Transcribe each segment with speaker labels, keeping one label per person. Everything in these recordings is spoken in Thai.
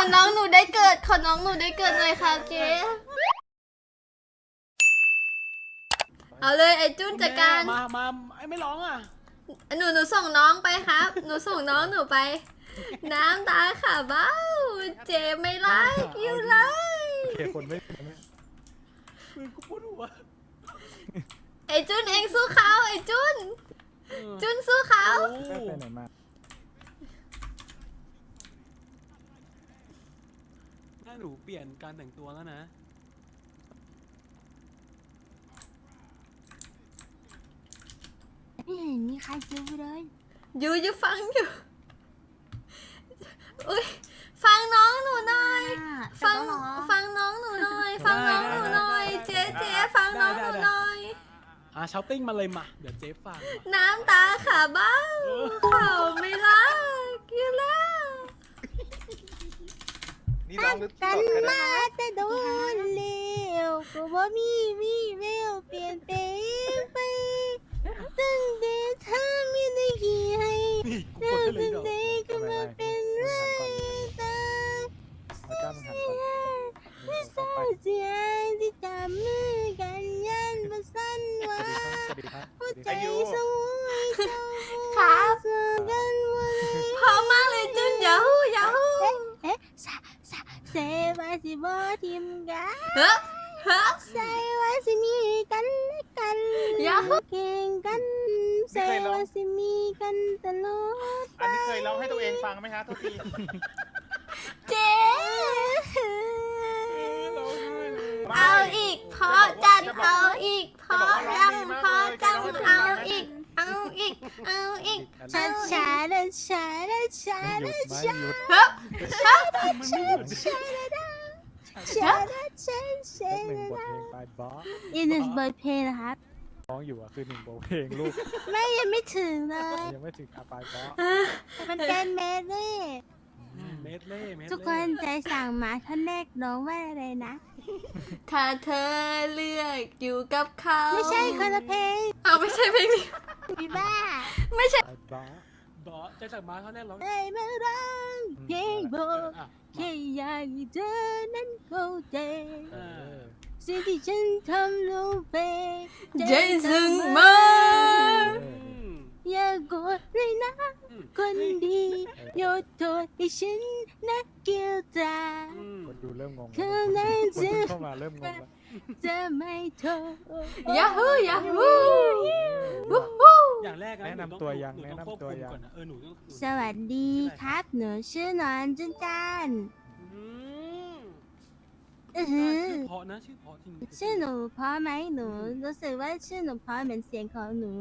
Speaker 1: น้องหนูได้เกิดขอน้องหนูได้เกิดเลยค่ะเจ๊เอาเลยไอ้จุ้นจัดการ
Speaker 2: มาไอ้ไม่ร้องอ่ะ
Speaker 1: หนูส่งน้องไปครับหนูส่งน้องหนูไปน้ำตาค่ะเบ้าเจ๊ไม่ไล่อยู่เลย
Speaker 3: เขียคนไม่
Speaker 2: มึงกูพูดหัว
Speaker 1: ไอ้จุ้นเองสู้เขาไอ้จุ้นสู้เขา
Speaker 3: ไปไหนมา
Speaker 2: ถ้าหนูเปลี่ยนการแต่งตัวแล้วนะ
Speaker 4: ไม่เห็นมีใครเจอเลย
Speaker 1: อยู่ฟังอยู่อุ้ยฟังน้องหนูหน่อยฟังน้องหนูหน่อยฟังน้องหนูหน่อยเจ๊ฟังน้องหนูหน่อย
Speaker 2: ช้อปปิ้งมาเลยมาเดี๋ยวเจ๊ฟัง
Speaker 1: น้ำตาขาเบ้าเขาไม่รักอยู่แล้ว
Speaker 4: กันมาแต่โดนเลี้ยวก็ว่ามีเวลเปลี่ยนแปลงไปตั้งแต่เธอไม่ได้กี่ให้เธอตั้งแต่ก็มาเป็นไรตาไม่เศร้าใจที่จับมือกันยันมาสั้นว่าหัวใจสวยเจ้าครับกันวัน
Speaker 1: พอมากเลยจุนยาฮู
Speaker 4: เซว่าสิบ่ทิมกันใส่ว่าสิมีกันและกันเก่งกันเซว่าสิมีกันตลอด
Speaker 5: อันนี้เคยร้องให้ตัวเองฟังไหมคะทุกที
Speaker 1: เจ๊เอาอีกพอจัดเอาอีกพอยังพอจังเอาอีก
Speaker 4: ช้า
Speaker 3: หนึ่งบทเพลงไปบอส
Speaker 4: อีกหนึ่งบทเพลงนะครับ
Speaker 3: ร้องอยู่อ่ะคือหนึ่งบทเพลงลูก
Speaker 4: ไม่ยังไม่ถึงเลย
Speaker 3: ยังไม่ถึงอาปายบอส
Speaker 4: มันเป็นเมดเล่ทุกคนใจสั่งมาท่านแรกร้องว่าอะไรนะ
Speaker 1: ถ้าเธอเลือกอยู่กับเขา
Speaker 4: ไม่ใช่คนละเพลง
Speaker 1: เอาไม่ใช่เพลงนี้
Speaker 4: พี่บ้า
Speaker 1: ไม่ใช่
Speaker 2: บอสใจสั่งมาเขาแน่ร้อง
Speaker 4: ได้มาร้องเพลงบอกแค่อยากให้เธอนั้นเข้าใจสิ่งที่ฉันทำลงไป
Speaker 1: ใจซึ้งมาก
Speaker 4: อย่าโกรธเลยนะคนดีโยนโทษให้ฉันนักเกี่ยวตา
Speaker 3: คนดูเริ่มงง
Speaker 4: คนนั้นจะ
Speaker 3: เข้ามาเริ่มงงแล้ว
Speaker 4: จะไม่โทษ
Speaker 1: ยาฮู
Speaker 2: อย่างแรก
Speaker 3: แนะนำตัวยัง
Speaker 4: สวัสดีครับหนูชื่อนอนจุนจัน
Speaker 2: ชื่อเพาะนะชื่อเพาะจริง
Speaker 4: ชื่อหนูเพราะไหมหนูรู้สึกว่าชื่อหนูเพราะเหมือนเสียงของหนู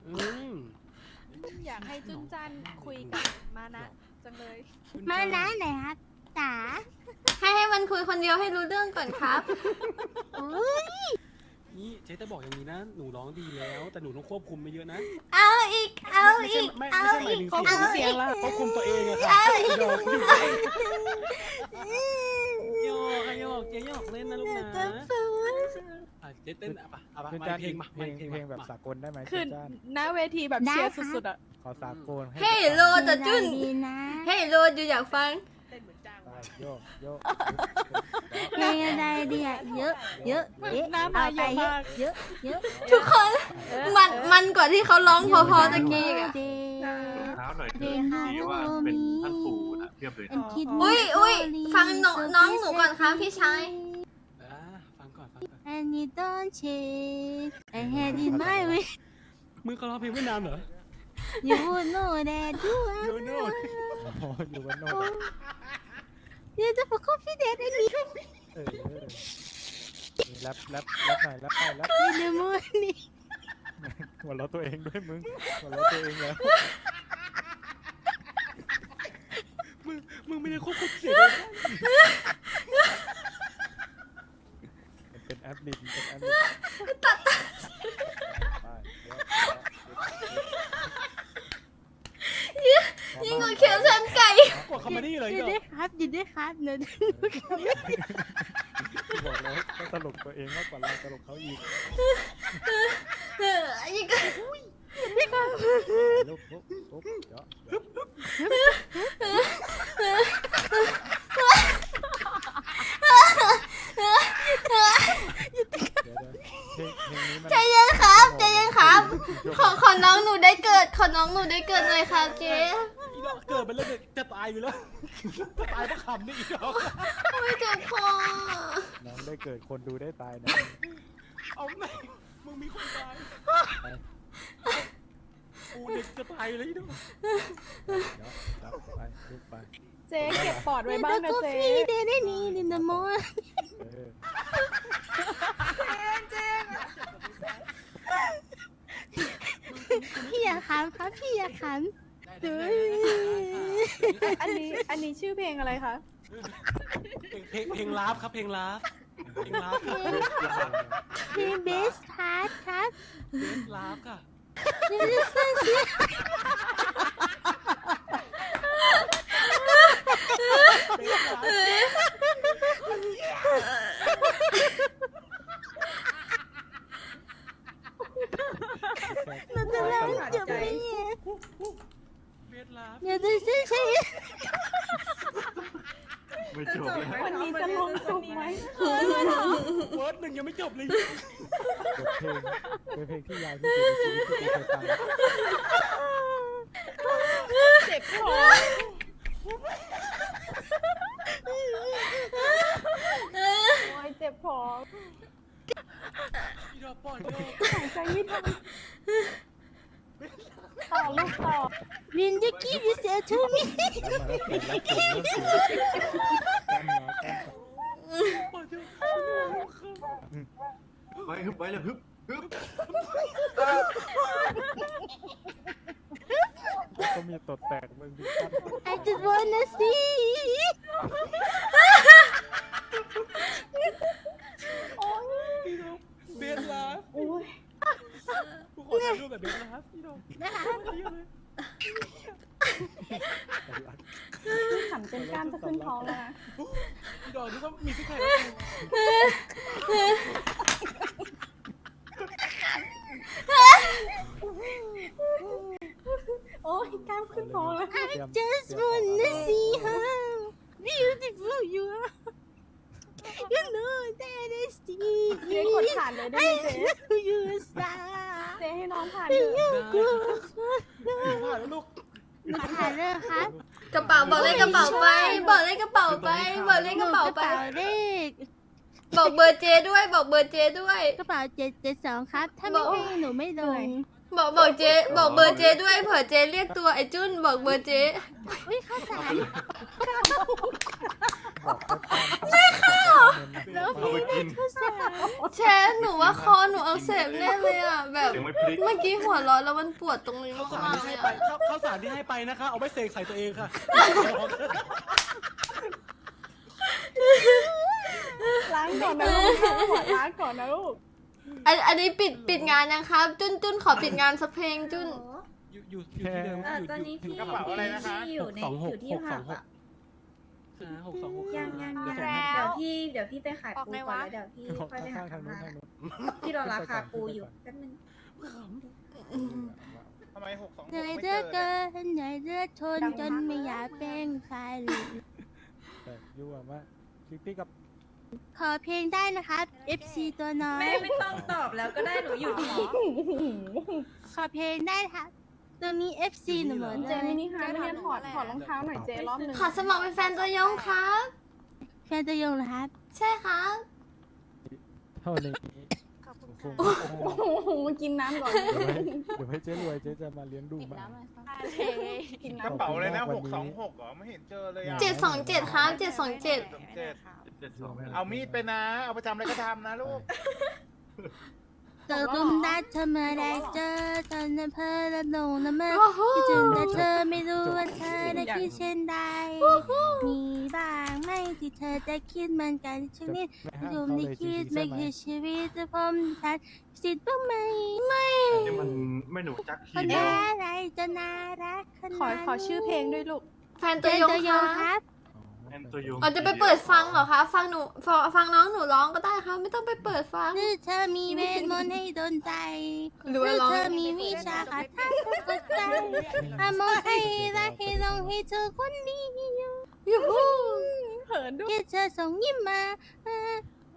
Speaker 6: อยากให้จุนจันคุยกับมานะจังเลย
Speaker 4: มานะไหนครับจ๋า
Speaker 1: ให้มันคุยคนเดียวให้รู้เรื่องก่อนครับ
Speaker 2: นี่เจ๊จะบอกอย่างนี้นะหนูร้องดีแล้วแต่หนูต้องควบคุมไม่เยอะนะ
Speaker 1: เอาอีก
Speaker 2: ไม่ใช่หมายถึงเสียงแล้วควบคุมตัวเองอะค่ะโยกเจ๊ยกเล่นนะลูกนะเจ๊เต้นมาเพลง
Speaker 3: แบบสากลได้ไหม
Speaker 6: คือหน้าเวทีแบบเชียร์สุดๆอ่ะ
Speaker 3: ขอสากล
Speaker 1: เฮ้ยโลจะจุ้นเฮ้ยโลอยู่อยากฟัง
Speaker 3: โยก
Speaker 4: เพลงอะไรดีอ่ะเยอะ
Speaker 6: น้ำมาเยอะมาก
Speaker 4: เยอะ
Speaker 1: ทุกคนมันกว่าที่เขาร้องพอตะกี้อ่ะ
Speaker 5: เท้าหน่อยเถอะว่าเป็นท่านปู่นะเทียบเลย
Speaker 1: อุ้ยฟังน้องหนูก่อนครับพี่ชาย
Speaker 2: ฟังก่อน
Speaker 4: And you don't change I had in my way
Speaker 2: มึงเขาร้องเพลงไม่นานเหรอ
Speaker 4: You know that you are
Speaker 3: You know
Speaker 4: You don't for confident in me
Speaker 3: แรปหน่อยแรป
Speaker 4: In the morning
Speaker 3: หัวเราะตัวเองด้วยมึงหัวเราะตัวเองแล้ว
Speaker 2: มึงไม่ได้ควบคุมเสียง
Speaker 3: เป็นแอปลิน
Speaker 1: ยิ่งกว่าเขียวชันไก่
Speaker 2: กว่าคอมเมดี้เลย
Speaker 4: ยินดีครับเนิน
Speaker 3: บอกแล้วก็ตลกตัวเองมากกว่าเราตลกเขาอีก
Speaker 1: ยิ่ง
Speaker 3: ลุกเยอะนี้มัน
Speaker 1: ใจเย็นครับใจเย็นครับ ขอน้องหนูได้เกิด ขอน้องหนูได้เกิดเลยครับเจ๊
Speaker 2: อีดอกเกิดไปแล้วเนี่ยจะตายอยู่แล้วจะตายเพราะขำนี่อีดอก
Speaker 1: ไม่เจ็บคอ
Speaker 3: น้องได้เกิดคนดูได้ตายนะ
Speaker 2: เอาไหนมึงมีคนตายกูเด็กจะตายเลยอีดอก
Speaker 3: เดี๋ยวไปลุกไป
Speaker 6: เจ๊เก็บปอดไว้บ้างนะเจ๊
Speaker 4: เดได้นี่ดินโม
Speaker 3: เออ
Speaker 4: พี่อย่าขำครับพี่อย่าขำ
Speaker 6: อันนี้ชื่อเพลงอะไรคะ
Speaker 2: เพลงลาฟครับเพลงลาฟเพลงลาฟครับ
Speaker 4: พี่เบสพาร์ทครับ
Speaker 2: เพลงลาฟค่ะ
Speaker 4: นี่คือเสื้อเสียเราจะเล่าจบไหมเนี่ย
Speaker 2: เพลงลาฟ
Speaker 4: เดี๋ยวจะเสื้อใช้
Speaker 5: ไม่จบเลย
Speaker 6: วันนี้จะลงสุกไหม
Speaker 2: เวิร์ดหนึ่งยังไม่จบเลย
Speaker 3: บทเพลงเป็นเพลงที่ยาวที่สุดในชีวิตที่กูเคยฟัง
Speaker 6: เจ็บคอ โอ้ยเจ็บคอ
Speaker 2: อีดอกปล่อยโด
Speaker 6: หายใจไม่ทันต่อลูกต่อ
Speaker 4: วินจะกี้วิเศษทูมิ
Speaker 3: แล้วมาแล้วเป็นแล้วเป็นเริ่มสูงกล้ามเนื้อกล้าม
Speaker 2: ปล่อยโด
Speaker 5: ไปฮึบไปเลยฮึบฮึบ
Speaker 3: ก็มีตดแตกมึงดูกล้าม
Speaker 4: I just wanna see
Speaker 2: เบสลาฟ
Speaker 6: โอ้ย
Speaker 2: กูขอถ่ายรูปแบบเบสลาฟอีดอกเยอะเลย
Speaker 6: ขำจนกล้ามจะขึ้นท้องแล้วนะ
Speaker 2: อีดอกนี่ก็มีซิกแพค
Speaker 6: โอ้ยกล้ามขึ้นท้องแล้ว
Speaker 4: just wanna see how beautiful you are you know that I see
Speaker 6: เจ๊กดผ่านเลยได้ไหมเจ๊
Speaker 4: you a star
Speaker 6: เจ๊ให้น้องผ่านเถอะ
Speaker 2: ผ่านแล้วลูก
Speaker 4: ผ่านเลยครับ
Speaker 1: กระเป๋าบอกเลขกระเป๋าไป บอกเลขกระเป๋าไป บอกเลขกระเป๋าไป
Speaker 4: เลข
Speaker 1: บอกเบอร์เจด้วย บอกเบอร์เจด้วย
Speaker 4: กระเป๋า772ครับ ถ้าไม่ให้หนูไม่ลง
Speaker 1: บอกเจ บอกเบอร์เจด้วยเผื่อเจเรียกตัวไอ้จุนบอกเบอร์เจ
Speaker 4: อุ้ยข้าวสาร
Speaker 3: ไม่เข้า
Speaker 5: เอาไปกิน
Speaker 4: ข้าวสาร
Speaker 1: แชร์หนูว่าคอหนูอักเสบแน่เลยอ่ะแบบ
Speaker 5: เสียงไม่พลิก
Speaker 1: เมื่อกี้หัวเร้อนแล้วมันปวดตรงนี้
Speaker 2: ข้าวสาร
Speaker 1: มาก
Speaker 2: ที่
Speaker 1: ๆเล
Speaker 2: ให้
Speaker 1: ย
Speaker 2: ไป
Speaker 1: อ่ะ
Speaker 2: ข้าวสารที่ให้ไปนะคะ เอาไปเสกใส่ตัวเองค่ะ
Speaker 6: ล้างก่อนนะลูกหัวล้างก่อนนะลูก
Speaker 1: อันนี้ปิดงานยังครับ จุนขอปิดงานสักเพลงจุน
Speaker 2: อยู่ที่เดิม
Speaker 7: ตอนนี้พี่
Speaker 2: กระเป๋าอะไรนะคะ
Speaker 7: พี่อยู่ในอยู่ที่ผับอ่ะ
Speaker 2: 626
Speaker 7: ยัง
Speaker 2: เดี๋ยวส่ง
Speaker 7: เ
Speaker 2: ให้
Speaker 7: ดี๋ยวพี่ไปขายปูก่อนแล้วเดี๋ยวพี่
Speaker 3: ของ
Speaker 7: ค่อยไปหา
Speaker 3: ข้างๆทาง
Speaker 7: ทำ
Speaker 3: นู้
Speaker 7: งาน น
Speaker 3: ทางนู้น
Speaker 7: พี่รอราคาปูอยู่แป๊บนึง
Speaker 8: ทำไม626
Speaker 4: เหนื่อย
Speaker 8: ไม่
Speaker 4: เหลื
Speaker 8: เจ
Speaker 4: อ
Speaker 8: อ
Speaker 4: เกินเหนื่อยเหลือทนจนไม่อยากเป็นใคร
Speaker 3: แต่ยั่วมากติ๊กกับ
Speaker 4: ขอเพลงได้นะครับ FC ตัวน้อย
Speaker 7: ไม่ต้องตอบแล้วก็ได้หนูอยู่ที่
Speaker 4: ขอเพลงได้ครับตัวนี้ FC หนูเหมือน
Speaker 6: เจมินิฮาร์ดไม่เนี่ยถอดรองเท้าหน่อยเจรอบหนึง
Speaker 1: ขอสมัครเป็นแฟนตัวยงครับ
Speaker 4: แฟนตัวยงเหรอครับ
Speaker 1: ใช่ครับ
Speaker 3: เท่านี้
Speaker 6: โอ้โหกินน้ำก่อน
Speaker 3: เดี๋ยวให้เจ๊รวยเจ๊จะมาเลี้ยงดูมา
Speaker 6: กิน
Speaker 8: กระ
Speaker 6: น้ำ
Speaker 8: เป๋าเลยนะ
Speaker 3: วันนี้
Speaker 8: 626เหรอ ไม่เห็นเจอเลยอ่ะ
Speaker 1: 727ครับ727
Speaker 8: 7เอามีดไปนะ เอาไปทำอะไรก็ทำนะลูก
Speaker 4: เจอรุมดัดเธอเมื่อไรเจอตอนนั้นเพอและลงละเมอ
Speaker 1: ว้าว
Speaker 4: คิดถึงแต่เธอไม่รู้ว่าเธอได้คิดเช่นใดมีบ้างไหมที่เธอจะคิดเหมือนกันชีวิต
Speaker 3: ไม่ห้าม
Speaker 4: รวม
Speaker 3: เขา
Speaker 4: ใน
Speaker 3: เลย
Speaker 4: คิด
Speaker 3: ใช่
Speaker 4: ไม่
Speaker 3: ไหม
Speaker 4: คือชีวิตจะพมทันสิทธิ์บ้างไหม
Speaker 5: นี่มันไม่หนูจัก
Speaker 4: ค
Speaker 5: ที
Speaker 4: น
Speaker 5: เดียว
Speaker 4: อะไรจะน่ารักขนาดนั้น
Speaker 6: ขอชื่อเพลงด้วยลูก
Speaker 1: แฟน
Speaker 4: เจ
Speaker 1: ตัวน ยง
Speaker 4: ตัวยง
Speaker 1: ค
Speaker 4: ครับ รับ
Speaker 5: แอนตัวยง
Speaker 1: เราจะไปเปิดฟังเหรอคะฟังหนูฟังน้องหนูร้องก็ได้ครับไม่ต้องไปเปิดฟัง
Speaker 4: หรือเธอมีเวทมนต์ให้โดนใจ
Speaker 1: หรือ
Speaker 4: ห
Speaker 1: ว่า
Speaker 4: รือ
Speaker 1: ร้อง
Speaker 4: เธอมีวิชาคาถาสดใจอามองให้รักให้ลงให้เธอคนดีอยู่
Speaker 1: ยูฮู
Speaker 6: เหินด้วย
Speaker 4: แค่เธอส่งยิ้มมา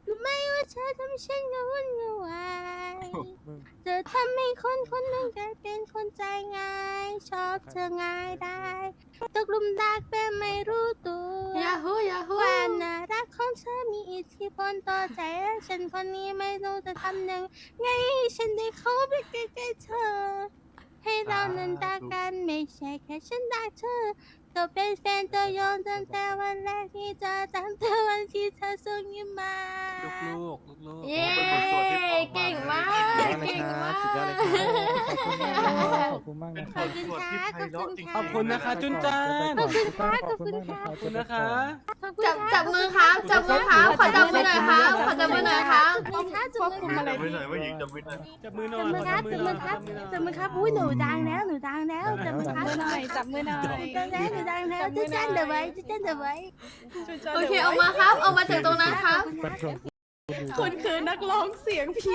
Speaker 4: รู้ไหมว่าเธอทำฉันกระวนกระวาย
Speaker 3: มึง
Speaker 4: เธอทำให้คนคนหนึ่งกลายเป็นคนใจง่าย ชอบเธอง่ายได้ตกหลุมรักแบบไม่รู้ตัว
Speaker 1: ยาฮูยาฮู
Speaker 4: ความน่ารักของเธอมีอิทธิพลต่อใจและฉันคนนี้ไม่รู้จะทำยังไงให้ฉันได้เข้าไปใกล้ๆเธอ ให้เรานั้นรักกันไม่ใช่แค่ฉันรักเธอก็เป็นแฟนตัวยงตั้งแต่วันแรกที่เจอตั้งแต่วันที่เธอส่งยิ้มมา
Speaker 2: ลูก
Speaker 1: เย้เก่งมาก เก่งมาก
Speaker 3: สุดยอดเลยครับขอบคุณมากนะค
Speaker 4: ข
Speaker 3: รั
Speaker 4: อบบ คุณค่ะขอบคุณค่ะ
Speaker 2: ขอบคุณนะคะจุนจัน
Speaker 4: ขอบคุณค่ะขอบคุณ
Speaker 3: มาก
Speaker 4: ค่ะ
Speaker 2: ขอบคุณนะคะ
Speaker 4: ขอบคุณ
Speaker 1: จับ
Speaker 4: ค่ะ
Speaker 1: จับมือครับ จับมือครับ ขอจับมือหน่อยครับ ขอจับมือหน่อยครับ
Speaker 4: จับมือค่ะจับมือค่ะ
Speaker 5: จำไว้หน่อยว่าหญิงจำไว้หน่อย
Speaker 2: จับมือหน่
Speaker 4: จั
Speaker 2: อบ ย
Speaker 4: มือครับจับมือครับจับมือครับอุ้ยหนูดังแล้วหนูดังแล้วจับมือครับ
Speaker 6: จับมือหน่อย
Speaker 4: ดังแล้วหนูดังแล้วจะเต้นเดี๋ยวไว้จะเต้นเดี๋ยวไว้
Speaker 1: โอเค เอามาครับ เอามาจากตรงนั้นครับ
Speaker 3: เป็นช่วง
Speaker 6: คุณคือนักร้องเสียงผี